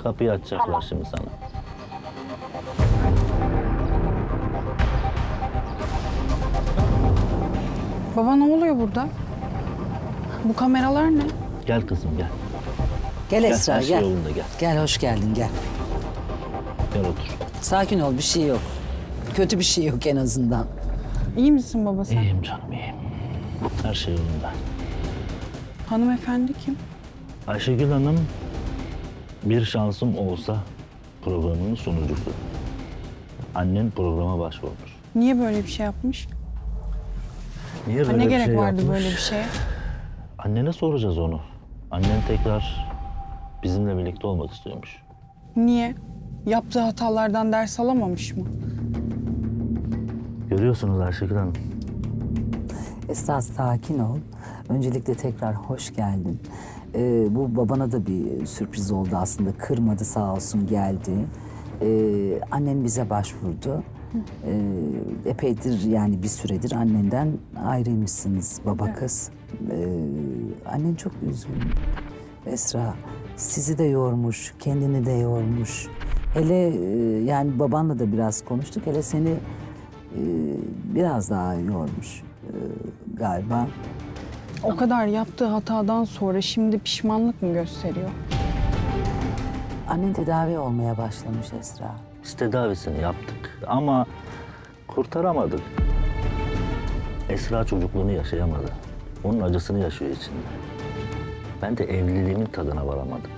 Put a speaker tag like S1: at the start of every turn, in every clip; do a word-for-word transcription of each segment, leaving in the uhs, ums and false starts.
S1: Kapıyı açacaklar şimdi sana.
S2: Baba ne oluyor burada? Bu kameralar ne?
S1: Gel kızım gel.
S3: Gel
S1: Gel,
S3: Esra
S1: her şey
S3: gel.
S1: yolunda, gel.
S3: Gel hoş geldin gel.
S1: Gel otur.
S3: Sakin ol bir şey yok. Kötü bir şey yok en azından.
S2: İyi misin baba sen?
S1: İyiyim canım iyiyim. Her şey yolunda.
S2: Hanımefendi kim?
S1: Ayşegül Hanım bir şansım olsa programının sunucusu. Annen programa başvurmuş.
S2: Niye böyle bir şey yapmış?
S1: Niye
S2: Ha,
S1: böyle
S2: ne
S1: bir
S2: gerek
S1: şey
S2: vardı
S1: yapmış?
S2: böyle bir şeye?
S1: Annene soracağız onu. Annen tekrar bizimle birlikte olmak istiyormuş.
S2: Niye? Yaptığı hatalardan ders alamamış mı?
S1: Görüyorsunuz Ayşegül Hanım.
S3: Esra sakin ol. Öncelikle tekrar hoş geldin. Ee, bu babana da bir sürpriz oldu aslında. Kırmadı sağ olsun geldi. Ee, annen bize başvurdu. Ee, epeydir yani bir süredir annenden ayrıymışsınız baba kız. Ee, annen çok üzgün. Esra sizi de yormuş, kendini de yormuş. Hele e, yani babanla da biraz konuştuk. Hele seni e, biraz daha yormuş e, galiba.
S2: O kadar yaptığı hatadan sonra şimdi pişmanlık mı gösteriyor?
S3: Annen tedavi olmaya başlamış Esra.
S1: Biz tedavisini yaptık ama kurtaramadık. Esra çocukluğunu yaşayamadı. Onun acısını yaşıyor içinde. Ben de evliliğimin tadına varamadım.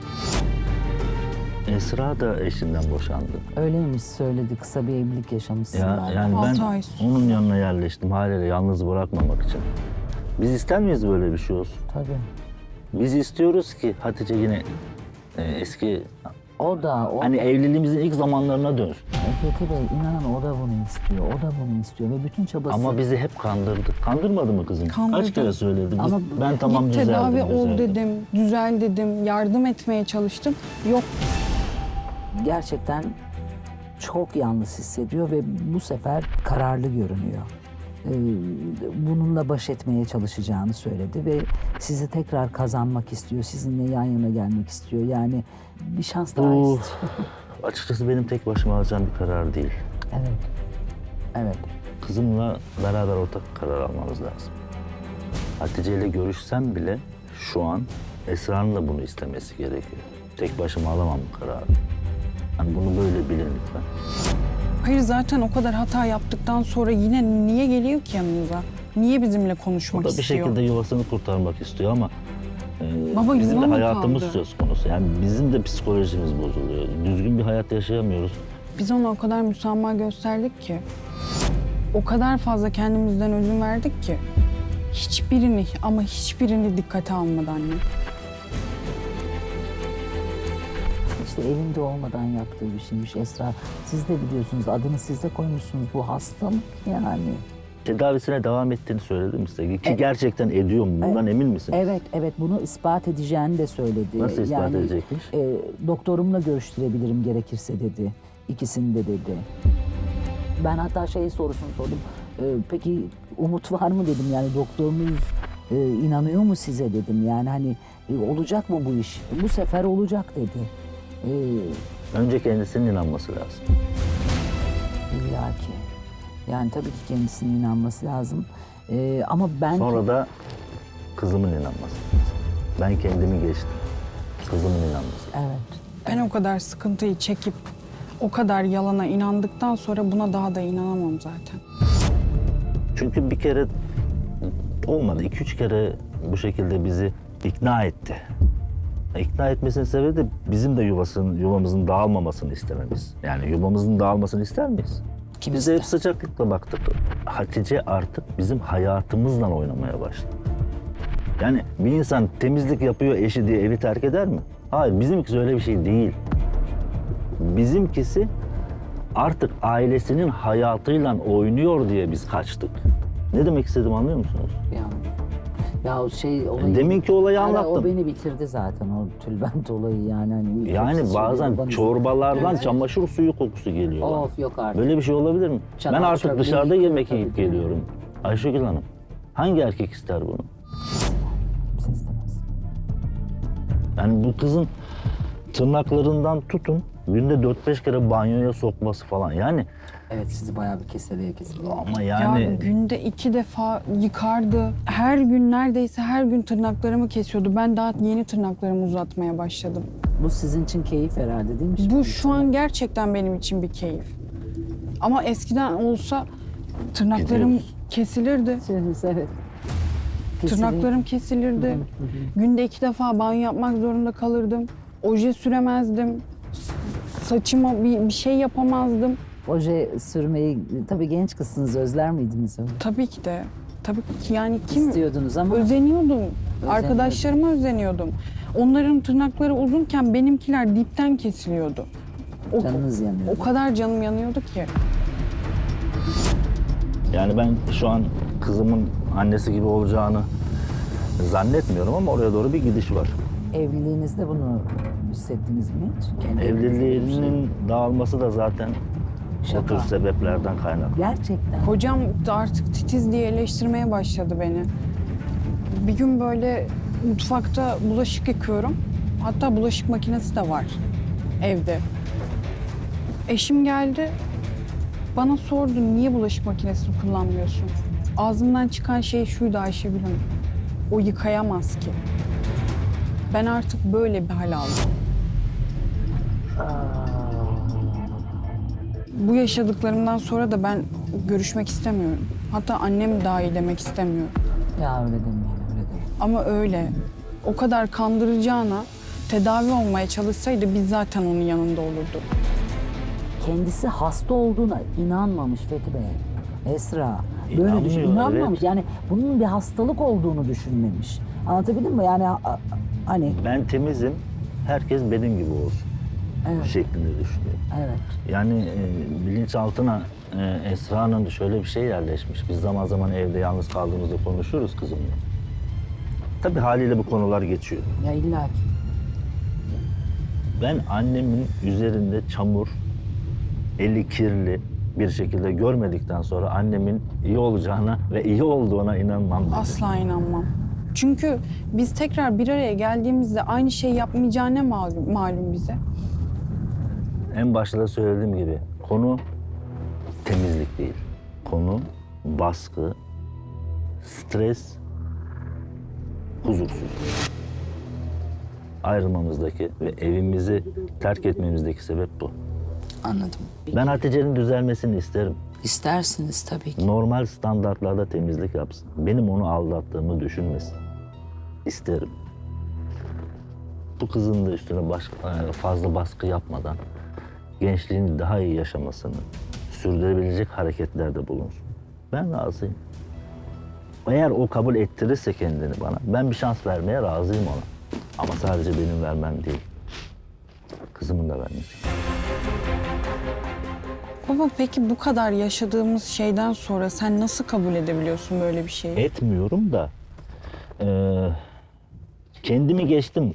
S1: Esra da eşinden boşandı.
S3: Öyleymiş söyledi. Kısa bir evlilik yaşamışsın.
S1: Ya,
S3: galiba.
S1: yani ben
S2: Altı ay.
S1: onun yanına yerleştim haliyle yalnız bırakmamak için. Biz ister miyiz böyle bir şey olsun?
S3: Tabii.
S1: Biz istiyoruz ki Hatice yine e, eski
S3: O da, o
S1: hani
S3: da.
S1: evliliğimizin ilk zamanlarına dönsün.
S3: Fethi Bey inanın o da bunu istiyor. O da bunu istiyor ve bütün çabası.
S1: Ama bizi hep kandırdı. Kandırmadı mı kızım?
S2: Kandırdı.
S1: Kaç kere söyledi. Biz-
S3: Ama
S1: ben tamam
S2: Git
S1: düzeldim.
S2: tedavi ol
S1: düzeldim.
S2: dedim, düzel dedim, yardım etmeye çalıştım. Yok.
S3: gerçekten çok yalnız hissediyor ve bu sefer kararlı görünüyor. Ee, bununla baş etmeye çalışacağını söyledi ve sizi tekrar kazanmak istiyor. Sizinle yan yana gelmek istiyor. Yani bir şans daha
S1: Bu
S3: istiyor.
S1: açıkçası benim tek başıma alacağım bir karar değil.
S3: Evet. Evet.
S1: Kızımla beraber ortak karar almamız lazım. Hatice ile görüşsem bile şu an Esra'nın da bunu istemesi gerekiyor. Tek başıma alamam bu kararı. Yani bunu böyle bilin lütfen.
S2: Hayır zaten o kadar hata yaptıktan sonra yine niye geliyor ki yanınıza? Niye bizimle
S1: O
S2: konuşmak
S1: da bir
S2: istiyor?
S1: şekilde yuvasını kurtarmak istiyor ama e,
S2: Baba,
S1: bizim
S2: yuva
S1: de
S2: mı
S1: hayatımız
S2: kaldı?
S1: söz konusu. Yani bizim de psikolojimiz bozuluyor. Düzgün bir hayat yaşayamıyoruz.
S2: Biz ona o kadar müsamaha gösterdik ki. O kadar fazla kendimizden ödün verdik ki. Hiçbirini ama hiçbirini dikkate almadı anne.
S3: İşte evinde olmadan yaptığı bir şeymiş Esra. Siz de biliyorsunuz adını siz de koymuşsunuz. Bu hastalık yani.
S1: Tedavisine devam ettiğini söyledim size. Ki gerçekten ediyor mu? Bundan emin misiniz?
S3: Evet, evet bunu ispat edeceğini de söyledi.
S1: Nasıl ispat
S3: yani,
S1: edecekmiş?
S3: E, doktorumla görüştürebilirim gerekirse dedi. İkisini de dedi. Ben hatta şey sorusunu sordum. E, peki umut var mı dedim yani doktorunuz e, inanıyor mu size dedim. Yani hani e, olacak mı bu iş? Bu sefer olacak dedi. E,
S1: Önce kendisinin inanması lazım.
S3: İlla ki. Yani tabii ki kendisinin inanması lazım. E, ama ben...
S1: Sonra da kızımın inanması lazım. Ben kendimi geçtim. Kızımın inanması.
S3: Evet.
S2: Ben o kadar sıkıntıyı çekip o kadar yalana inandıktan sonra buna daha da inanamam zaten.
S1: Çünkü bir kere olmadı. iki üç kere bu şekilde bizi ikna etti. İkna etmesinin sebebi de bizim de yuvasının, yuvamızın dağılmamasını istememiz. Yani yuvamızın dağılmasını ister miyiz?
S3: Kim
S1: Biz de hep
S3: ister?
S1: sıcaklıkla baktık. Hatice artık bizim hayatımızla oynamaya başladı. Yani bir insan temizlik yapıyor eşi diye evi terk eder mi? Hayır, bizimkisi öyle bir şey değil. Bizimkisi artık ailesinin hayatıyla oynuyor diye biz kaçtık. Ne demek istedim anlıyor musunuz?
S3: Yani. Ya o şey olayı...
S1: Deminki olayı
S3: Yani
S1: anlattım.
S3: O beni bitirdi zaten o tülbent olayı yani. Hani
S1: Yani
S3: Siz
S1: bazen
S3: söylüyor, babanız-
S1: çorbalardan
S3: Evet.
S1: çamaşır suyu kokusu geliyor bana.
S3: Of yok artık.
S1: Böyle bir şey olabilir mi?
S3: Çatal
S1: ben artık
S3: çöplüğü
S1: dışarıda
S3: yıkıyor
S1: yemek
S3: tabii
S1: yiyip
S3: ki.
S1: geliyorum. Ayşegül Hanım, hangi erkek ister bunu?
S3: Kimse istemez.
S1: Yani bu kızın tırnaklarından tutun günde dört beş kere banyoya sokması falan. Yani
S3: Evet, sizi bayağı bir keseleye keseleye.
S1: ama
S2: Ya
S1: yani
S2: günde iki defa yıkardı. Her gün neredeyse her gün tırnaklarımı kesiyordu. Ben daha yeni tırnaklarımı uzatmaya başladım.
S3: Bu sizin için keyif herhalde değil mi?
S2: Bu şu an gerçekten benim için bir keyif. Ama eskiden olsa tırnaklarım
S1: Gidiyoruz.
S2: kesilirdi.
S3: Siz, evet. Kesinlikle.
S2: Tırnaklarım kesilirdi. Günde iki defa banyo yapmak zorunda kalırdım. Oje süremezdim. S- Saçıma bir, bir şey yapamazdım.
S3: Oje sürmeyi, tabii genç kızsınız, özler miydiniz öyle?
S2: Tabii ki de. Tabii ki yani kim
S3: İstiyordunuz ama
S2: özeniyordum. Arkadaşlarıma özeniyordum. Onların tırnakları uzunken benimkiler dipten kesiliyordu. O,
S3: canınız yanıyor.
S2: o kadar canım yanıyordu ki.
S1: yani ben şu an kızımın annesi gibi olacağını zannetmiyorum ama oraya doğru bir gidiş var.
S3: Evliliğinizde bunu hissettiniz mi hiç? Kendi evinizde bir şey.
S1: Evliliğinin dağılması da zaten o
S3: Şaka.
S1: tür sebeplerden kaynaklı.
S3: Gerçekten.
S2: Hocam da artık titiz diye eleştirmeye başladı beni. Bir gün böyle mutfakta bulaşık yıkıyorum. Hatta bulaşık makinesi de var evde. Eşim geldi. Bana sordu niye bulaşık makinesini kullanmıyorsun? Ağzımdan çıkan şey şuydu Ayşegül Hanım. O yıkayamaz ki. Ben artık böyle bir hal aldım. Bu yaşadıklarımdan sonra da ben görüşmek istemiyorum. Hatta annem dahil demek istemiyorum.
S3: Ya öyle demeyin, öyle demeyin.
S2: Ama öyle. O kadar kandıracağına tedavi olmaya çalışsaydı biz zaten onun yanında olurduk.
S3: Kendisi hasta olduğuna inanmamış Fethi Bey. Esra. Böyle
S1: İnanmıyor,
S3: düşün,
S1: evet.
S3: inanmamış. Yani bunun bir hastalık olduğunu düşünmemiş. Anlatabildim mi? Yani a- a- hani
S1: Ben temizim, herkes benim gibi olsun
S3: evet,
S1: şeklinde düşünüyor.
S3: evet.
S1: Yani e, bilinçaltına e, Esra'nın şöyle bir şey yerleşmiş. Biz zaman zaman evde yalnız kaldığımızda konuşuruz kızımla. Tabii haliyle bu konular geçiyor.
S3: Ya illa ki.
S1: Ben annemin üzerinde çamur, eli kirli bir şekilde görmedikten sonra annemin iyi olacağına ve iyi olduğuna inanmam dedi.
S2: Asla inanmam. Çünkü biz tekrar bir araya geldiğimizde aynı şey yapmayacağı ne malum, malum bize?
S1: En başta da söylediğim gibi konu temizlik değil. Konu baskı, stres, huzursuzluk. Ayrılmamızdaki ve evimizi terk etmemizdeki sebep bu.
S3: Anladım.
S1: Ben Hatice'nin düzelmesini isterim.
S3: İstersiniz tabii ki.
S1: Normal standartlarda temizlik yapsın. Benim onu aldattığımı düşünmesin. İsterim. Bu kızın da üstüne baş, fazla baskı yapmadan gençliğini daha iyi yaşamasını sürdürebilecek hareketlerde bulunsun. Ben razıyım. Eğer o kabul ettirirse kendini bana, ben bir şans vermeye razıyım ona. Ama sadece benim vermem değil. Kızımın da vermesi.
S2: Baba peki bu kadar yaşadığımız şeyden sonra sen nasıl kabul edebiliyorsun böyle bir şeyi?
S1: Etmiyorum da eee, kendimi geçtim.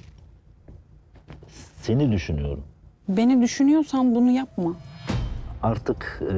S1: Seni düşünüyorum.
S2: Beni düşünüyorsan bunu yapma.
S1: Artık eee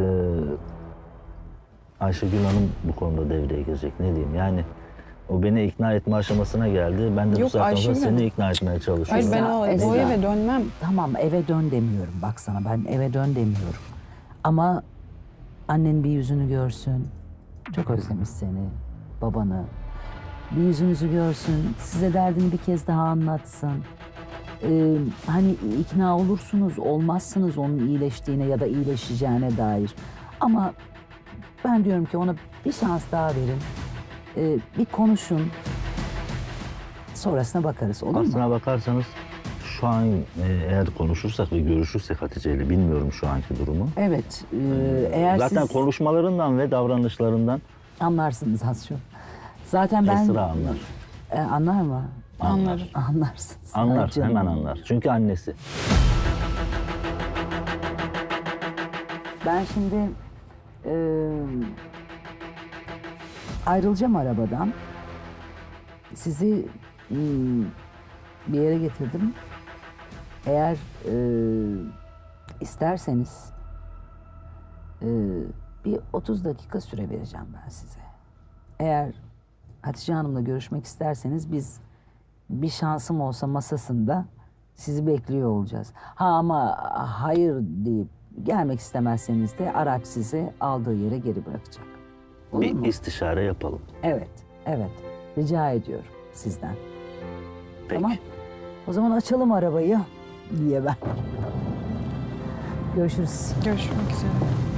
S1: Ayşegül Hanım bu konuda devreye girecek. Ne diyeyim yani o beni ikna etme aşamasına geldi. Ben de
S2: Yok,
S1: bu saatten sonra
S2: Ayşegül Hanım.
S1: seni ikna etmeye çalışıyorum.
S2: Hayır ben o,
S3: Esra,
S2: o
S3: Esra.
S2: eve dönmem.
S3: Tamam, eve dön demiyorum. Bak sana, ben eve dön demiyorum. Ama annen bir yüzünü görsün. Çok özlemiş seni, babanı. Bir yüzünüzü görsün, size derdini bir kez daha anlatsın. Ee, hani ikna olursunuz, olmazsınız onun iyileştiğine ya da iyileşeceğine dair. Ama ben diyorum ki ona bir şans daha verin. Ee, bir konuşun. Sonrasına bakarız, olur mu?
S1: Aslına bakarsanız şu an e, eğer konuşursak ve görüşürsek Hatice ile bilmiyorum şu anki durumu.
S3: Evet, e, eğer
S1: Zaten
S3: siz
S1: konuşmalarından ve davranışlarından
S3: anlarsınız az çok. Zaten ben...
S1: Esra anlar.
S3: E, anlar mı?
S2: Anlarım.
S3: Anlarsınız.
S1: Anlar,
S3: Ay canım.
S1: hemen anlar. Çünkü annesi.
S3: Ben şimdi e, ayrılacağım arabadan. Sizi hmm, bir yere getirdim. Eğer e, isterseniz e, bir otuz dakika süre vereceğim ben size. Eğer Hatice Hanım'la görüşmek isterseniz biz bir şansım olsa masasında Sizi bekliyor olacağız. Ha ama hayır deyip gelmek istemezseniz de araç sizi aldığı yere geri bırakacak. Olur
S1: Bir
S3: mu?
S1: istişare yapalım.
S3: Evet, evet. Rica ediyorum sizden.
S1: Peki.
S3: Tamam. O zaman açalım arabayı diye ben. Görüşürüz.
S2: Görüşmek üzere.